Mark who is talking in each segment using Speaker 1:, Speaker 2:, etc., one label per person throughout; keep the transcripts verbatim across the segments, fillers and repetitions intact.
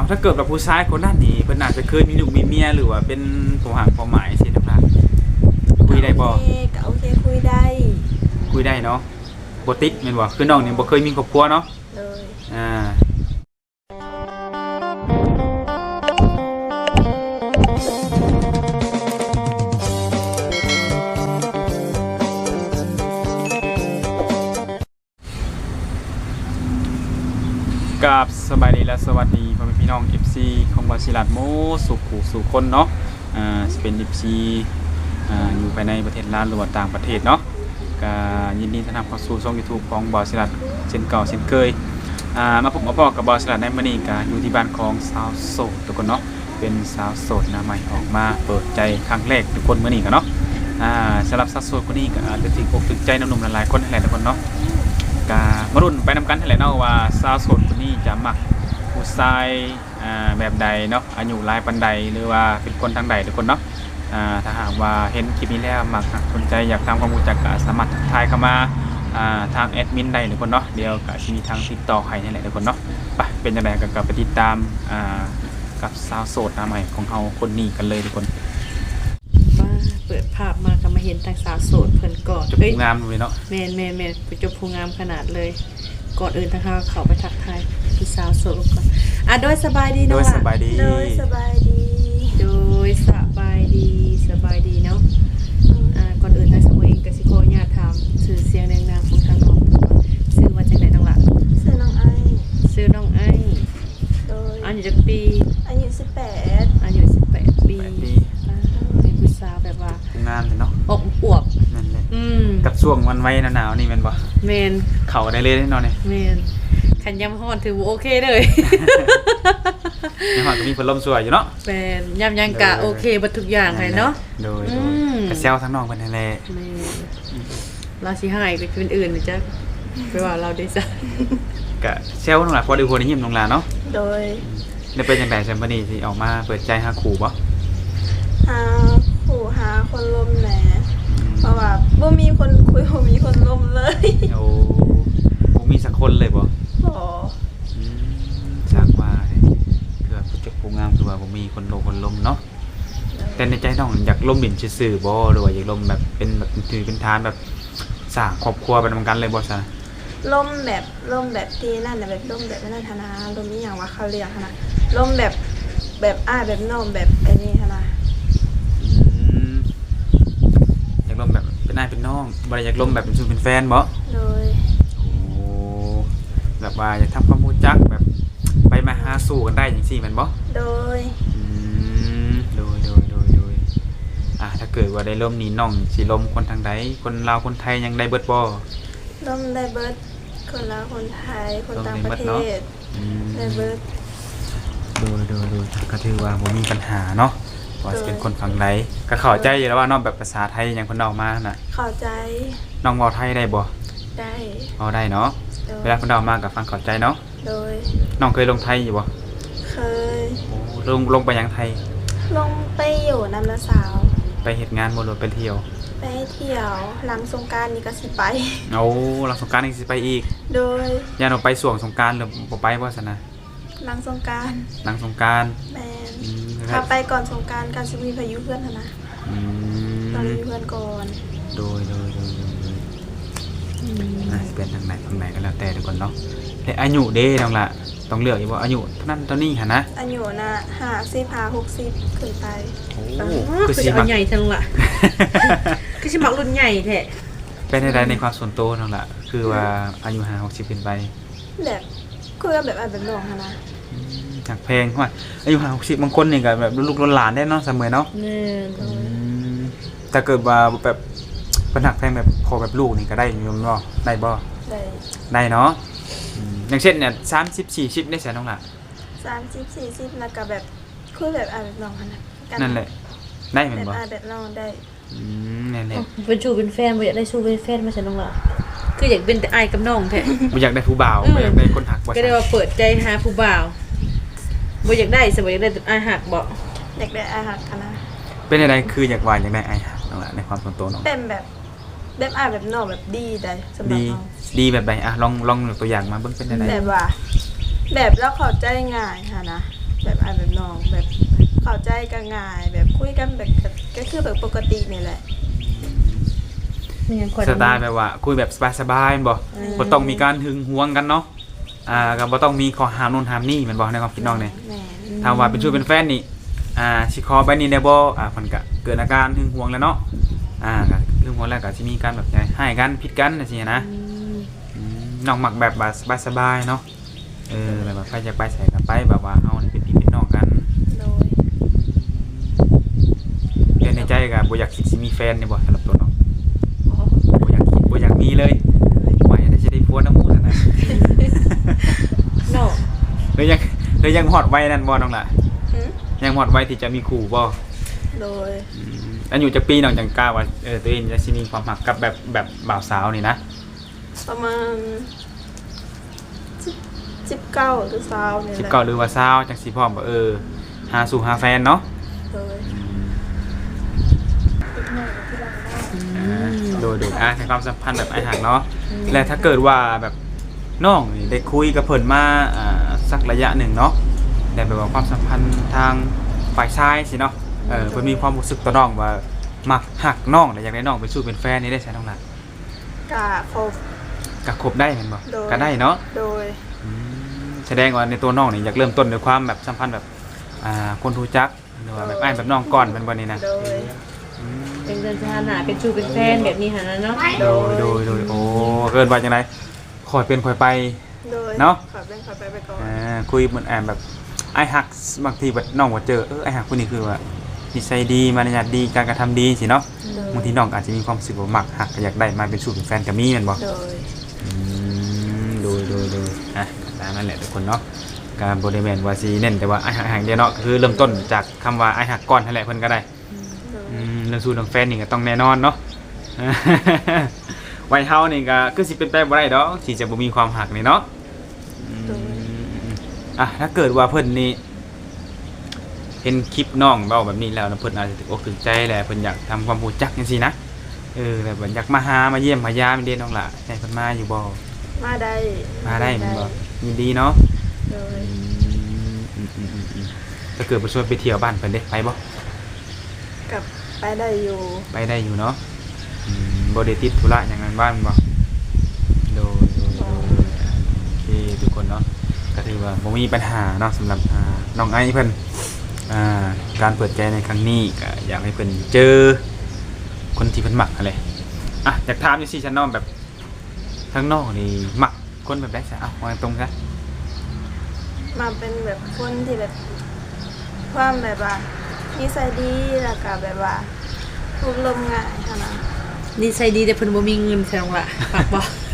Speaker 1: ถ้าเกิดแบบผู้ชายคนนั้นนี่เพิ่นอาจจะเคยมีลูกมีเมียหรือว่าเป็นผู้ห่างผู้หมายสิน้องหลานคุยได้บ่
Speaker 2: โอเคก็โอเคคุยได้
Speaker 1: คุยได้เนาะบ่ติดแม่นบ่คือน้องนี่บ่เคยมีครอบครัวเนาะ
Speaker 2: เลย
Speaker 1: อ่ากับสบายดีและสวัสดีพ่อแม่พี่น้อง เอฟ ซี ของบาซิลัดโมสุขสู่คนเนาะอ่าสิเป็น เอฟ ซี อ่าอยู่ภายในประเทศลาวหรือว่าต่างประเทศเนาะก็ยินดีต้อนรับเข้าสู่ช่อง YouTube ของบาซิลัดเช่นเก่าเช่นเคยอ่ามาพบมาพอกับบาซิลัดในมื้อนี้ก็อยู่ที่บ้านของสาวโสดทุกคนเนาะเป็นสาวโสดหน้าใหม่ออกมาเปิดใจครั้งแรกทุกคนมื้อนี้กันเนาะอ่าสำหรับสาวโสดคนนี้ก็อาจจะถึงอกถึงใจหนุ่มๆหลายๆคนนั่นแหละทุกคนเนาะก็มารุ่นไปนำกันนั่นแหละเนาะว่าสาวโสดคนนี้จะมักผู้ชายอ่าแบบใดเนาะอายุหลายปานใดหรือว่าเป็นคนทางใดทุกคนเนาะอ่าถ้าหากว่าเห็นคลิปนี้แล้วมักสนใจอยากทำความรู้จักก็สามารถทักทายเข้ามาอ่าทางแอดมินได้ทุกคนเนาะเดี๋ยวก็จะมีทางติดต่อให้นั่นแหละทุกคนเนาะไปเป็นจังไดก็กลับไปติดตามอ่ากับสาวโสดหน้าใหม่ของเฮาคนนี้กันเลยทุกคน
Speaker 3: มาเปิดภาพมาก็มาเห็นทางสาวโสดเพิ่นก่อน
Speaker 1: จะ
Speaker 3: เอ้ย
Speaker 1: งามเลยเนาะ
Speaker 3: แม่นแม่นแม่นเป็นเจ้าผู้งามขนาดเลย ก่อนอื่นทางเราเข้าไปทักทายพี่สาวโสดก่อนอ่ะโดยสบายดี
Speaker 1: โด
Speaker 3: เนาะ
Speaker 1: ยสบายดี
Speaker 2: โดยสบายดี
Speaker 3: โดยสบายดีสบายดีเนาะอ่าก่อนอื่นทางสาวเองก็สิขออนุญาตถามชื่อเสียงแรงนามของทางน้องก่อนชื่อว่าจังไดน้องล่ะ
Speaker 2: เสื้อน้องไอ
Speaker 3: ชื่อน้องไอ้
Speaker 2: โดย
Speaker 3: อายุจักปี
Speaker 2: อายุสิบแปด
Speaker 3: อายุสิบแปดปี
Speaker 1: แปดปี
Speaker 3: อ่าเป็นผู้สาวแบบว่า
Speaker 1: งามเลยเนาะ
Speaker 3: อบอวบ
Speaker 1: นั่นแหละ
Speaker 3: อืม
Speaker 1: กับช่วงวันไว้หนาวๆนี่แม่นบ่
Speaker 3: แม่น
Speaker 1: เข้าได้เลยเนาะเนี่ย
Speaker 3: แม่นขันยำฮ้อนถือว่าโอเคเลย
Speaker 1: ในหอดก็มีพัดลมสวยอยู่เนาะ
Speaker 3: แม่นยำยังกะโอเคบัดทุกอย่างเลยเนาะ
Speaker 1: โดย
Speaker 3: อื
Speaker 1: โดย
Speaker 3: ม
Speaker 1: กระเซลทั้งน้องเป็นนั่นแหละ
Speaker 3: แม่นเราสิให้ไปเป็นอื่นนะจ๊ะไปว่าเราได้จ้ะ
Speaker 1: กะเซลน้องหลานพอดูคนยิ้มน้องหลานเนาะ
Speaker 2: โดย
Speaker 1: ได้เป็นจังได๋ซั่นบัดนี้สิออกมาเปิดใจหาคู่บ่
Speaker 2: หาผู้หาคนลมแหน่เพราะว่าบ่มีคนคุยบ่มีคนลมเลย
Speaker 1: โอ้บ่มีสักคนเลยบ่
Speaker 2: บ่
Speaker 1: อืมจากว่าเนี่ยคือว่าผู้จักผู้งามคือว่าบ่มีคนโลคนลมเนาะแต่ในใจน้องอยากลมดินซื่อๆบ่หรือว่าอยากลมแบบเป็นแบบถือเป็นทานแบบสร้างครอบครัวไปนำกันเลยบ่ซะ
Speaker 2: ลมแบบลมแบบที่นั่นน่ะแบบลมแบบนั้นธนาลมนี้อย่างว่าเขาเรียกนะลมแบบแบบอ้ายแบบน้องแบบไอ้นี่ธนา
Speaker 1: อืมอยากลมแบบเป็นนายเป็นน้องบ่ได้อยากลมแบบเป็นชูเป็นแฟนบ่
Speaker 2: โดย
Speaker 1: โอ้แบบว่าอยากทำความรู้จักแบบไปมาหาสู่กันได้จังซี่แม่นบ่
Speaker 2: โดย
Speaker 1: อืมโดยโดยโดยโดยอ่ะถ้าเกิดว่าได้ลมนี่น้องสิลมคนทางใดคนลาวคนไทยยังได้เบิดบ่
Speaker 2: ลมได้เบิร์ดคนละคนไทยคนต่าง
Speaker 1: ลม
Speaker 2: ป
Speaker 1: ได้
Speaker 2: ระ
Speaker 1: เบิ
Speaker 2: เท
Speaker 1: ดเนาะ
Speaker 2: ศ
Speaker 1: อืม
Speaker 2: ได้เบิร์ด
Speaker 1: โดยโดยโดยก็ถือว่าบ่มีปัญหาเนาะว่าสิเป็นคนฝั่งใดก็เข้าใจอยู่แล้วว่าน้องแบบภาษาไทยยังเพิ่นเว้ามาน่ะ
Speaker 2: เข้าใจ
Speaker 1: น้องเว้าไทยได้บ่
Speaker 2: ได้
Speaker 1: เว้าได้เนาะ
Speaker 2: โดย
Speaker 1: เวลาเพิ่นเว้ามาก็ฟังเข้าใจเนาะ
Speaker 2: โดย
Speaker 1: น้องเคยลงไทยอยู่บ่
Speaker 2: เคย
Speaker 1: โอ้ลงลงไปยังไทย
Speaker 2: ลงไปอยู่นำนาสาว
Speaker 1: ไปเฮ็ดงานบ่หรือไปเที่ยว
Speaker 2: ไปเที่ยวหลังสงกรารนี่ก็สิไป
Speaker 1: เอาหลังสงกรานต์อีกสิไปอีก
Speaker 2: โดย
Speaker 1: ย่านเราไปส่วงสงกรานต์หรือบ่ไปบ่ซั่นนะ
Speaker 2: หลังสงกราร
Speaker 1: หลังสงกรานต์
Speaker 2: แมน
Speaker 1: อืม
Speaker 2: ถ้าไปก่อนสงกรารการสิมีพายุเพื่อนหั่นนะ
Speaker 1: อื
Speaker 2: ตอน
Speaker 1: ม
Speaker 2: นี้มีเพื่อนก่อน
Speaker 1: โดยโดยโดยโดยโดยอ่ะสิเป็นทางไหนทางไหนก็แล้วแต่ทุกคนเนาะแต่อายุเด้น้องล่ะต้องเลือกอยู่ว่าอายุเท่านั้นเท่านี้หั่นนะ
Speaker 2: อายุน่ะห้าสิบห้าหกสิบขึ้นไป
Speaker 1: โอ้
Speaker 3: คือ
Speaker 1: คือ
Speaker 3: จะ
Speaker 1: สิ
Speaker 3: เอา
Speaker 1: มัก
Speaker 3: ใหญ่ทั้งละคือสิมักรุ่นใหญ่แท้
Speaker 1: เป็นอะไรในความส่วนตัวน้องล่ะคือว่าอายุห้าหกสิบขึ้นไป
Speaker 2: แบบคุยกันแบบอ่านแบบน้องหั่นนะ
Speaker 1: อืมจากเพลงว่าอายุห้าหกสิบบางคนนี่ก็แบบลูกๆหลานๆได้เนาะเสมอเนาะ
Speaker 3: แน่น
Speaker 1: อืมแต่เกิดว่าแบบเป็นหักแพงแบบพอแบบลูกนี่ก็ได้อยมบ่ได้บ่
Speaker 2: ได้
Speaker 1: ได้เนาะอืมอย่างเช่นเนี่ยสามสิบสี่สิบได้แสนน้องล่ะ
Speaker 2: สามสิบสี่สิบแล้วก็แบบคุยแบบอ่านแบบน้องหั่นนะกั
Speaker 1: นั่นแหละได้เหมือน
Speaker 2: แบบ
Speaker 1: บ่
Speaker 2: อ่านแบบน้องได้
Speaker 1: อืมนั่นแหละ
Speaker 3: เป็นชูเป็นแฟนบ่อยากได้ชูเป็นแฟนมาฉันน้องล่ะคืออยากเป็นแต่อายกับน้องแท้
Speaker 1: บ่อยากได้ผู้บ่าว
Speaker 3: อืม
Speaker 1: บ่อยากได้คนหักบ่
Speaker 3: ก็ได้ว่าเปิดใจหาผู้บ่าวบ่อยากได้สบ่อยากได้แต่อายหักบ่
Speaker 2: เด็กได้อาหักหั่นนะ
Speaker 1: เป็นอะไรคืออยากว่าอยากได้ไอ้หักน้องล่ะในความส่วนตัวน้อง
Speaker 2: เป็นแบบแบบอ่านแบบน้องแบบดีได้สำหรับ
Speaker 1: ดี
Speaker 2: น้อง
Speaker 1: ดีแบบใดอ่ะลองลองยกตัวอย่างมาเบิ่งเป็นอะไร
Speaker 2: แบบว่า แบบแล้วเข้าใจง่ายค่ะนะแบอ้ายแบบน้องแบบเข้าใจกันง่ายแบบคุยกันแบบก็คือแบบปกตินี่แหละ
Speaker 3: ไม่งั้นคน
Speaker 1: สไตล์แบบว่าคุยแบบสบายๆแม่นบ่บ่ต้องมีการหึงหวงกันเนาะอ่าก็บ่ต้องมีข้อห้ามโน่นห้ามนี่แม่นบ่ในความคิดน้องเนี่ย
Speaker 2: แม่น
Speaker 1: ถ้าว่าเป็นชู้เป็นแฟนนี่อ่าสิขอไปนี่ได้บ่อ่าเพิ่นก็เกิดอาการหึงหวงแล้วเนาะอ่าก็หึงหวงแล้วก็สิมีการแบบให้กันผิดกันจังซี่นะ
Speaker 3: อืม
Speaker 1: อืมน้องมักแบบว่าสบายๆเนาะเออแบบว่าใครอยากไปใส่ก็ไปแบบว่าเฮานี่เป็นพี่เป็นน้องกัน
Speaker 2: โดย
Speaker 1: แต่ในใจก็บ่อยากคิดสิมีแฟนนี่บ่สำหรับตัวน้อง
Speaker 3: อ๋อ
Speaker 1: บ่อยากคิดบ่อยากมีเลยไว้ได้สิได้ผัวน้ำหมู่ซั่นน่ะ
Speaker 3: เนาะ
Speaker 1: เลยยังเลยยังฮอดไว้นั่นบ่น้องล่ะ
Speaker 2: หึ
Speaker 1: ยังฮอดไว้ที่จะมีคู่บ่
Speaker 2: โดย
Speaker 1: อืมอายุจักปีน้องจังกล้าว่าเออตัวเองจะสิมีความรักกับแบบแบบบ่าวสาวนี่นะ
Speaker 2: ประมาณสิบเก้าหรือสาวนี่แห
Speaker 1: สิบ
Speaker 2: ละ
Speaker 1: เก้าหรือว่าสาวจังสิพร้อมบ่เออหาสู่หาแฟนเนาะ
Speaker 2: โดย
Speaker 1: อ่าโดยโดยอ่ะในความสัมพันธ์แบบไอ้ห่างเนาะและถ้าเกิดว่าแบบน้องนี่ได้คุยกับเพิ่นมาอ่าสักระยะหนึ่งเนาะแต่แบบว่าความสัมพันธ์ทางฝ่ายชายสิเนาะเออเพิ่นมีความรู้สึกต่อน้องว่ามักหักน้องและอยากได้น้องไปสู่เป็นแฟนนี่ได้ใช่น้องล่ะ
Speaker 2: กะครบ
Speaker 1: ก็คบได้แม่นบ่
Speaker 2: โดย
Speaker 1: ก็ได้เนาะ
Speaker 2: โดย
Speaker 1: อืมแสดงว่าในตัวน้องนี่อยากเริ่มต้นด้วยความแบบสัมพันธ์แบบอ่าคนรู้จักหรือว่าแบบอ้ายแบบน้องก่อนเป็นบ่นี่นะ
Speaker 2: โดย
Speaker 1: อืม
Speaker 3: เป็นสถานะเป็นชูเป็นแฟนแบบนี้หั่นน่ะเนาะ
Speaker 1: โดยโดยโดยโอ้เกินว่าจังไดขอยเป็นขอยไป
Speaker 2: โดย
Speaker 1: เนาะ
Speaker 2: ขอเป็นขอไปไปก่อน
Speaker 1: อ่าคุยเหมือนแอมแบบไอ้หักบางทีแบบน้องว่าเจอเออไอ้หักคนนี้คือว่านิสัยดีมารยาทดีการกระทำดีสิเนาะ
Speaker 2: โดย
Speaker 1: บางทีน้องอาจจะมีความรู้สึกว่ามักหักก็อยากได้มาเป็นสู่เป็นแฟนกับมีแม่นบ่
Speaker 2: โดย
Speaker 1: อืมโดยโดยโดยอ่ะตามนั้นแหละทุกคนเนาะการบริเวณว่าสิเน้นแต่ว่าไอ้หักหักเดียวเนาะก็คือเริ่มต้นจากคำว่าไอ้หักก่อนนั่นแหละเพิ่นก็ได้
Speaker 2: โดย
Speaker 1: อืมเรื่องสู่เรื่องแฟนนี่ก็ต้องแน่นอนเนาะ วัยเฮานี่ก็คือสิเป็นไปบ่ได้ดอกสิจะบ่มีความหักนี่เนาะอืมอ่ะถ้าเกิดว่าเพิ่นนี่เห็นคลิปน้องเว้าแบบนี้แล้วนะเพิ่นอาจจะถึกอกถึกใจแหละเพิ่นอยากทำความรู้จักจังซี่นะเออแบบว่าอยากมาหามาเยี่ยมมายามเด้น้องล่ะให้เพิ่นมาอยู่บ่
Speaker 2: มาได้
Speaker 1: มาได้แม่นบ่ยินดีเนาะ
Speaker 2: โดย
Speaker 1: อืมอืมอืมอืมอืมถ้าเกิดบ่ชวนไปเที่ยวบ้านเพิ่นเด้ไปบ่
Speaker 2: กับไปได้อยู่
Speaker 1: ไปได้อยู่เนาะอืมบ่ได้ติดธุระหยังนั้นบ้านบ่โดยโดยโดยโอเคทุกคนเนาะก็ถือว่าบ่มีปัญหาเนาะสำหรับอ่าน้องไอเพิ่นอ่าการเปิดใจในครั้งนี้ก็อยากให้เพิ่นเจอคนที่เพิ่นมักอะไรอ่ะอยากถามอยู่สิฉันน้องแบบทั้งนอกนี่มักคนแบบใดซะเอ้าว่าตรงซะ
Speaker 2: มาเป็นแบบคนที่แบบความแบบว่านิสัยดีแล้วก็แบบว่าทุกลมง่ายค่ะนะ
Speaker 3: นิสัยดีแต่เพิ่นบ่มีเงินแซงล่ะฝากบ่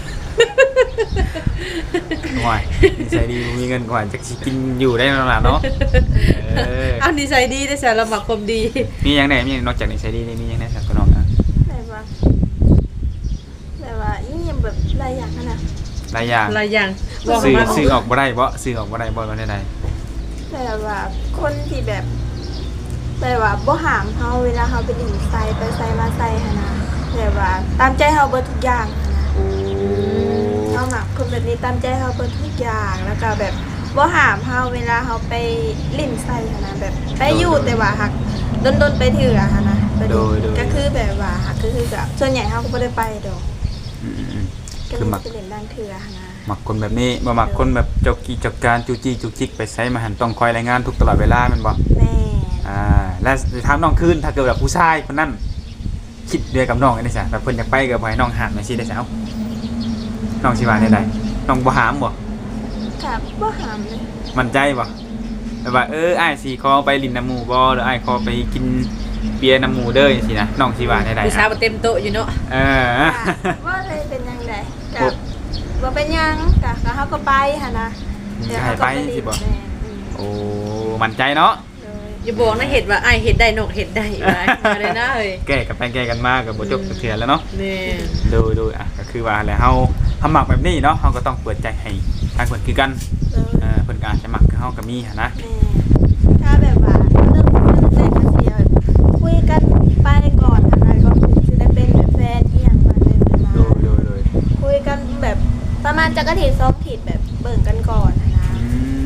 Speaker 1: ห่วยนิสัยดีบ่มีเงินกว่าจักสิกินอยู่ได้นั่นล่ะเนาะเออ
Speaker 3: เอานิสัยดีแต่สารมักความดี
Speaker 1: มีหยังแหน่มีหยังนอกจากนิสัยดีนี่มีหยังแหน่สักน้องนะ
Speaker 2: แบบว่าแบบว่ายิ่งแบบหลายอย่างอะนะ
Speaker 1: หลายอย่าง
Speaker 3: หลายอย่าง
Speaker 1: ซื้อ
Speaker 3: มา
Speaker 1: ซื้อออกบ่ได้บ่ซื้อออกบ่ได้บ่ว่าได้ใด
Speaker 2: แบบว่าคนที่แบบแบบว่าบ่หามเฮาเวลาเฮาไปดิ่งไซไปไซมาไซค่ะนะแบบว่าตามใจเฮาเบิดทุกอย่างค่ะนะเฮาหมักคนแบบนี้ตามใจเฮาเบิดทุกอย่างแล้วก็แบบบ่หามเฮาเวลาเฮาไปลิ่นไซค่ะนะแบบไปอยู่แต่ว่าหักดนๆไปเถื่อค่ะนะไปดิก็คือแบบว่าหักก็คือกับส่วนใหญ่เฮาก็บ่ได้ไปดอก
Speaker 1: อืม
Speaker 2: ก็
Speaker 1: ๆ
Speaker 2: เล
Speaker 1: คือย มัก
Speaker 2: ไปเล่นด้านเถื่อค่ะนะ
Speaker 1: มักคนแบบนี้บ่มักคนแบบเจ้ากี้เจักการจูจี้จุกจิกไปไสมาหันต้องคอยรายงานทุกตลอดเวลาแม่นบ่
Speaker 2: แม่
Speaker 1: อ่าและถามน้องคืนถ้าเกิดแบบผู้ชายคนนั้นคิดเดียวกับน้องได้ซะแบบเพิ่นอยากไปก็บ่ให้น้องหามจังซี่ได้ซะเอ้าน้องสิว่าได้ใดน้องบ่หามบ่
Speaker 2: กับบ่หามเลย
Speaker 1: มั่นใจบ่แบบว่าเอออ้ายสิขอไปลินน้ำหมู่บ่หรืออ้ายขอไปกินเบียร์น้ำหมู่เด้อจังซี่นะน้องสิว่าได้ใด
Speaker 3: ผู้สาวบ่เต็มโต๊ะอยู่เนาะ
Speaker 1: เออ
Speaker 2: ว่าเลยเป็นยังไงกับว่าเป็นยังกับเขาก็ไปค่ะนะ
Speaker 1: จะให้ไปสิบ่
Speaker 2: แม่อืม
Speaker 1: โอ้มั่นใจเนาะ
Speaker 2: เลย
Speaker 3: อย่าบอกนะเห็ดว่าอ้ายเห็ดได้นกเห็ดได้ว่ามาเลยนะเฮ้ย
Speaker 1: แก้กันไปแก้กันมาก็บ่จบจักเทื่อแล้วเนาะ
Speaker 3: แม่น
Speaker 1: ดูดูอ่ะก็คือว่าแหละเฮาเฮามักแบบนี้เนาะเฮาก็ต้องเปิดใจให้ทางเพิ่นคือกัน
Speaker 2: เลย
Speaker 1: เอ่อเพิ่นก็อาจจะมักกับเฮาก็มีหันนะ
Speaker 2: แม่ถ้าแบบว่าเริ่มคุยแรกก็เสียแบบคุยกันไปก่อนอะไรก็จะได้เป็นแบบแฟนที่อย่างมาเลยมา
Speaker 1: ดูดูดู
Speaker 2: คุยกันแบบประมาณจักรถีสองถีแบบเบิ่งกันก่อนนะนะ
Speaker 1: อืม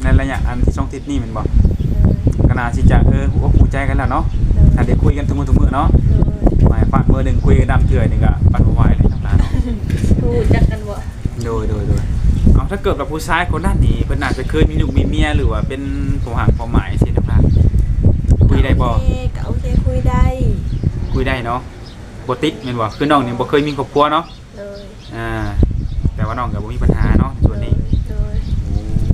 Speaker 1: ในระยะอันที่ช่องติดนี่แม่นบ่ก็น่าสิจะเออหัวหูใจกันแล้วเนาะถ้าได้คุยกันทุกมื้อทุกมื้อเนาะหมายฝากมื้อหนึงคุยกันดำเถื่อยนี่ก็ปันบ่ไหวเลยทั้งหลายเนาะ
Speaker 3: รู้จักกันบ่
Speaker 1: โดยโดยโดยเอาถ้าเกิดว่าผู้ชายคนนั้นนี่เพิ่นอาจจะเคยมีลูกมีเมียหรือว่าเป็นผู้ห่างความหมายสิทั้งหลายคุยได้บ่
Speaker 2: โอเคก็โอเคคุยได้
Speaker 1: คุยได้เนาะบ่ติดแม่นบ่คือน้องนี่บ่เคยมีครอบครัวเนาะ
Speaker 2: เลย
Speaker 1: อ่าแต่ว่าน้องก็บ่มีปัญหาเนาะในส่วนนี้
Speaker 2: เลย
Speaker 1: โอ้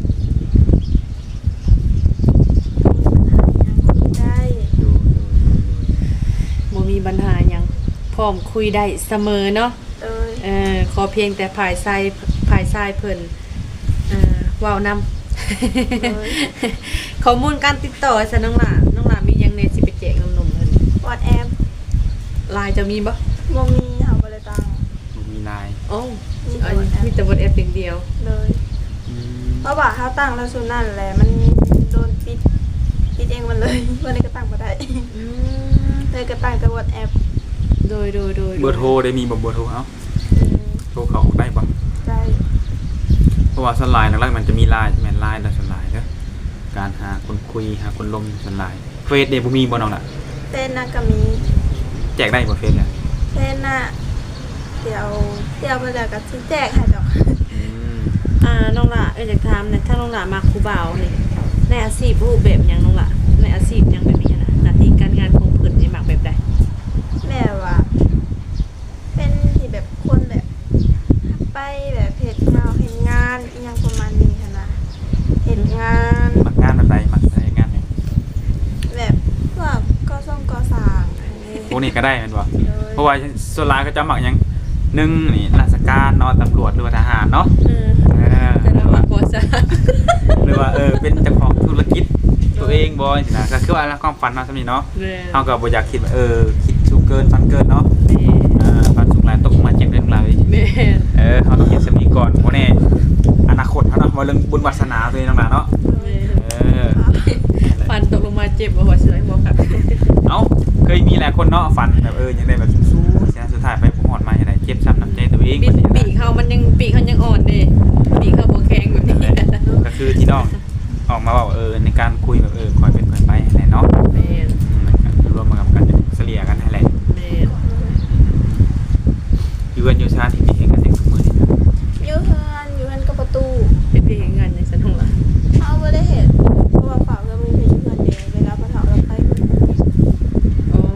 Speaker 2: คุยได้
Speaker 1: ดูดูดูดู
Speaker 3: บ่มีปัญหาหยังพร้อมคุยได้เสมอเนาะ
Speaker 2: เลย
Speaker 3: เออขอเพียงแต่ภายใส่ภายใส่เพิ่นเอ่อเว้านำ ข้อมูลการติดต่อซะน้องหล่าน้องหล่ามีหยังในสิไปแจกนมๆเพิ่น
Speaker 2: วอทแอป
Speaker 3: ไลน์จะมีบ่
Speaker 2: บ่มีเฮาบ่ได้ตัง
Speaker 1: บ่มีลาย
Speaker 3: โอ้
Speaker 2: มี
Speaker 3: อัน
Speaker 2: แต่ WhatsApp
Speaker 3: มีแต่ WhatsApp อย่างเดียว
Speaker 2: เลย
Speaker 1: อืม
Speaker 2: เพราะว่าเฮาตั้งแล้วสุดนั่นแหละมันโดนปิดปิดเองมันเลย วันนี้ก็ตั้งบ่ได้
Speaker 3: อืม
Speaker 2: เลยก็ตั้งแต่วอทแอป
Speaker 3: โดยโดยโดย
Speaker 1: เบอร์โทรได้มีบ่เบอร์โทรเอ้า
Speaker 2: อืม
Speaker 1: โทรเข้าได้บ่
Speaker 2: ได้
Speaker 1: เพราะว่าสวนไลน์หลักๆมันจะมีไลน์แม่นไลน์แล้วสวนไลน์เด้อการหาคนคุยหาคนลมสวนไลน์เฟซเด้บ่มีบ่น้องล่ะ
Speaker 2: เต้นน่ะก็มี
Speaker 1: แจกได้บ่เฟซเนี่ย
Speaker 2: เต้นน่ะเดี๋ยวเดี๋ยวมาแล้วก็สิแจกให้ดอก
Speaker 1: อืม
Speaker 3: อ่าน้องหล่าเอ้ยอยากถามหน่อยถ้าน้องหล่ามาครูบ่าวนี่ในอาชีพรูปแบบหยังน้องหล่าในอาชีพหยังแบบนี้นะหน้าที่การงานของเพิ่นนี่มักแบบใด
Speaker 2: แม่ว่า เป็นที่แบบคนแบบไปแบบเฮ็ดงานเฮ็ดงานอีหยังประมาณนี้ค่ะนะเฮ็ดงาน
Speaker 1: มักงานแบบใดมักได้งานเนี่ย
Speaker 2: แบบพวกก่อสร้างก่อสร้างอันนี้
Speaker 1: พวกนี้ก็ได้แม่นบ่
Speaker 2: เลย
Speaker 1: เพราะว่าส่วนหลายก็จะมักหยังหนึ่งนี่ราชการเนาะตำรวจหรือว่าทหารเนาะ
Speaker 3: เออ
Speaker 1: เออ
Speaker 3: แต่เราว่าบ่ซะ
Speaker 1: หรือว่าเออเป็นเจ้าของธุรกิจตัวเองบ่สินะก็คือว่าความฝันเนาะซั่นนี่เนาะ
Speaker 3: แม่
Speaker 1: เฮาก็บ่อยากคิดว่าเออคิดสูงเกินฝันเกินเนาะ
Speaker 3: แม่
Speaker 1: อ่าฝันสูงหลายตกมาเจ็บเรื่องหลาย
Speaker 3: แม่
Speaker 1: เออเฮาต้องคิดซั่นนี้ก่อนบ่แน่อนาคตเฮาเนาะว่าเรื่องบุญวาสนาตัวเองต่างๆเนาะ
Speaker 3: แม่
Speaker 1: เออ
Speaker 3: ฟันตกลงมาเจ็บบ่หัวเสือให้บ่ครับ
Speaker 1: เอ้าเคยมีหลายคนเนาะฝันแบบเออยังได้แบบสู้ๆเสียสุดท้ายไปบ่ฮอดมาจังได๋เจ็บช้ำน้ำใจตัวเอง
Speaker 3: ปีกปีกเขามันยังปีกเขายังอ่อนเด้ปีกเขาบ่แข็งแบบนี้
Speaker 1: ก็คือที่น้องออกมาว่าเออในการคุยแบบเออคอยเป็นคอยไปแหละเนาะ
Speaker 3: แม่น
Speaker 1: รวมมากับกันเสลียกันนั่นแหละ
Speaker 3: แม่น
Speaker 1: อยู่กันอยู่ชาติที่มีเห็นกันอย่างทุกมื้อนี่
Speaker 2: อยู่เฮือนอยู่เฮือนกับประตู
Speaker 3: เป็นพี่เฮ็ดงานในสันของล่ะ
Speaker 2: เฮาบ่ได้เฮ็ดเพราะว่าฝากเงินมือถือเฮือนเด้เวลาพ่อเฒ่าเราไป
Speaker 3: อ๋อ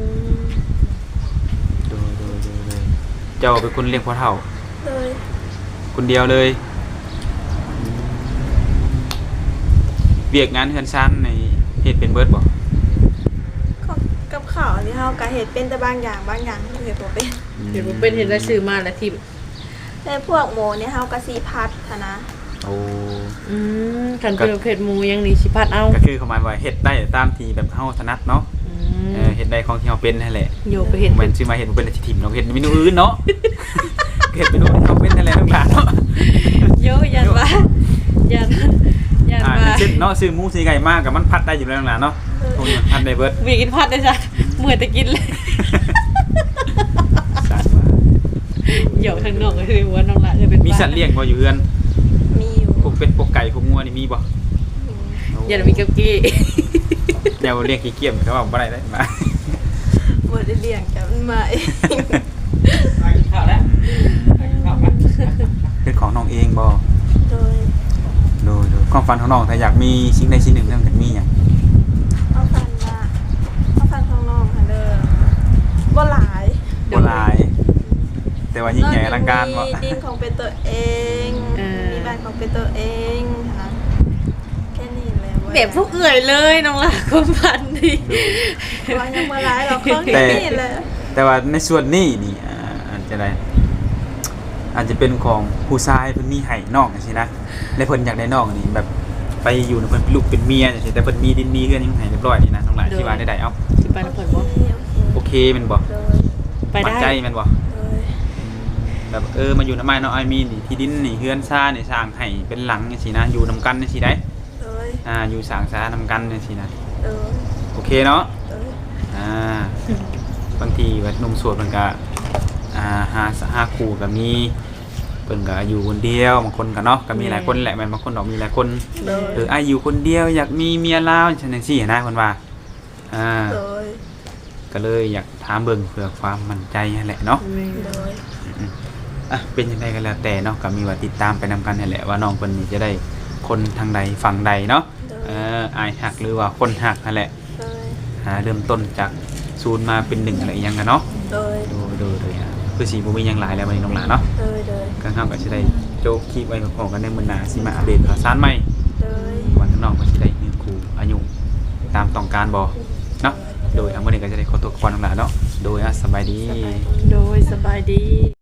Speaker 1: โดยโดยโดยโดยเจ้าเป็นคนเลี้ยงพ่อเฒ่า
Speaker 2: เลย
Speaker 1: คนเดียวเลยเวียกงานเฮือนชั้นในเฮ็ดเป็นเบิดบ่
Speaker 2: ของกับข้าวที่เฮาก็เฮ็ดเป็นแต่บางอย่างบางอย่างเฮาเฮ็ดบ่เป็น
Speaker 3: เดี๋ยวบ่เป็นเห็นแล้วซื้อมาแล้วทิ่ม
Speaker 2: แต่พวกหมูเนี่ยเฮาก็สิพัดหั้นนะ
Speaker 1: โอ้
Speaker 3: อืมคันเป็นประเภทหมูยังนี่สิพัดเอา
Speaker 1: ก็คือเขาหมายว่าเฮ็ดได้ตามที่แบบเฮาถนัดเนาะ
Speaker 3: อื
Speaker 1: เอ
Speaker 3: ม
Speaker 1: อเฮ็ดได้ของที่เฮาเป็นนั่นแหละ
Speaker 3: โยไปเห็น
Speaker 1: บ่แม่นสิมาเฮ็ดบ่เป็นแล้วสิถิ่มเนาะเฮ็ดเมนูอื่นเนาะ เฮ็ดเมนูที่เฮาเป็นนั่นแหละทั้งหลายเนาะ
Speaker 3: โยยันว่ายันยัน
Speaker 1: อ่า
Speaker 3: ว่า
Speaker 1: เช่นเนาะซื้อหมูซื้อไก่มากกับมันพัดได้อยู่แล้วนั่นแหละเนาะพวกนี้มันพัดได้เบิด
Speaker 3: มีกินพัดได้จ้ะเมื่อแต่กินเลย
Speaker 1: สารว่า
Speaker 3: โยข้างนอกก็คือว่าน้องละเออเป็น
Speaker 1: มีสัตว์เลี้ยงบ่อยู่เฮือน
Speaker 2: มีอยู่
Speaker 1: พวกเป็ดพวกไก่พวกงัวนี่มีบ่
Speaker 3: ยันมีกับกี้
Speaker 1: เดี๋ยวเลี้ยงขี้เกียจเขาบอกบ่ได้ได้มา
Speaker 2: บ่ได้เลี้ยงแต่มันมาเอง
Speaker 1: มากินข้าวแล้วมากินข้าวกันเป็นของน้องเองบ่
Speaker 2: โดย
Speaker 1: โดยโดยความฝันของน้องถ้าอยากมีสิ่งใดสิ่งหนึ่งเรื่องจากมีหยัง
Speaker 2: เอาฟันมาเอาฟันของน้องค่ะเด้อบ่หลาย
Speaker 1: บ่หลาย แต่ว่ายิ่งใหญ่อลังการบ่
Speaker 2: มีดินของเป็นตัวเอง มีบ้านของเป็นตัวเองนะแค่นี้แหละ
Speaker 3: แบบพวกเอื่อยเลยน้องละความพันดี
Speaker 2: ว่ายังบ่หลายหรอกของแค่นี้แหละ
Speaker 1: แต่ว่าในส่วนนี้นี่อ่าอาจจะได้อาจจะเป็นของผู้ชายเพิ่นมีให้น้องจังซี่นะและเพิ่นอยากได้น้องนี่แบบไปอยู่นำเพิ่นเป็นลูกเป็นเมียจังซี่แต่เพิ่นมีดินมีเรือนยังให้เรียบร้อยนี่นะทั้งหลายที่ว่าได้ๆเอ้า
Speaker 3: สิไปนำเพิ่นบ่
Speaker 1: โอเคแม่นบ่
Speaker 2: โดย
Speaker 3: ไป
Speaker 1: มั่น
Speaker 3: ได้
Speaker 1: ใจแม่นบ่
Speaker 2: โดย
Speaker 1: แบบเออมาอยู่นำไม้เนาะไอ้มีนี่ที่ดินนี่เฮือนซ่านี่สร้างให้เป็นหลังจังซี่นะอยู่นำกันจังซี่ได้
Speaker 2: โดย
Speaker 1: อ่าอยู่สร้างซ่านำกันจังซี่นะ
Speaker 2: โดย
Speaker 1: โอเคเนาะ
Speaker 2: โดย
Speaker 1: อ่าบางทีว่าหนุ่มโสดมันก็อ่าหาหาคู่ก็มี เพิ่นพิ่นก็อยู่คนเดียวบางคนก็เนาะก็มีหลายคนแหละแม่นบางคนดอกมีหลายคน
Speaker 2: โดย
Speaker 1: เอออ้ายอยู่คนเดียวอยากมีเมียลาวจังซี่นะเพิ่นว่าอ่า
Speaker 2: โดย
Speaker 1: ก็เลยอยากถามเบิ่งเพื่อความมั่นใจนั่นแหละเนาะ
Speaker 3: แม่
Speaker 2: โดย
Speaker 1: อืมอ่ะเป็นยังไงกันแล้วแต่เนาะก็มีว่าติดตามไปนำกันนั่นแหละว่าน้องเพิ่นนี่จะได้คนทางใดฝั่งใดเนาะ
Speaker 2: โดย
Speaker 1: เอออายหักหรือว่าคนหักนั่นแหละ
Speaker 2: โดย
Speaker 1: หาเริ่มต้นจากศูนย์มาเป็นหนึ่งอะไรอหยังกันเนาะ
Speaker 2: โดย
Speaker 1: ดูดูเลยอ่ะคือสีบ่มีหยังหลายแล้วบัดนี้น้องหลานเนาะ
Speaker 2: โดยโดย
Speaker 1: ก็เฮาก็สิได้โจกคลิปไว้พร้อมกันในมื้อหน้าสิมาอัปเดตข่าวสารใหม่
Speaker 2: โดย
Speaker 1: วันน้องก็สิได้มีครูอายุตามต้องการบ่เนาะโดยทั้งหมดนี้ก็จะได้ขอตัวก่อนน้องหลานเนาะโดยอ่ะสบายดี
Speaker 2: สบายดี
Speaker 3: โดยสบายดี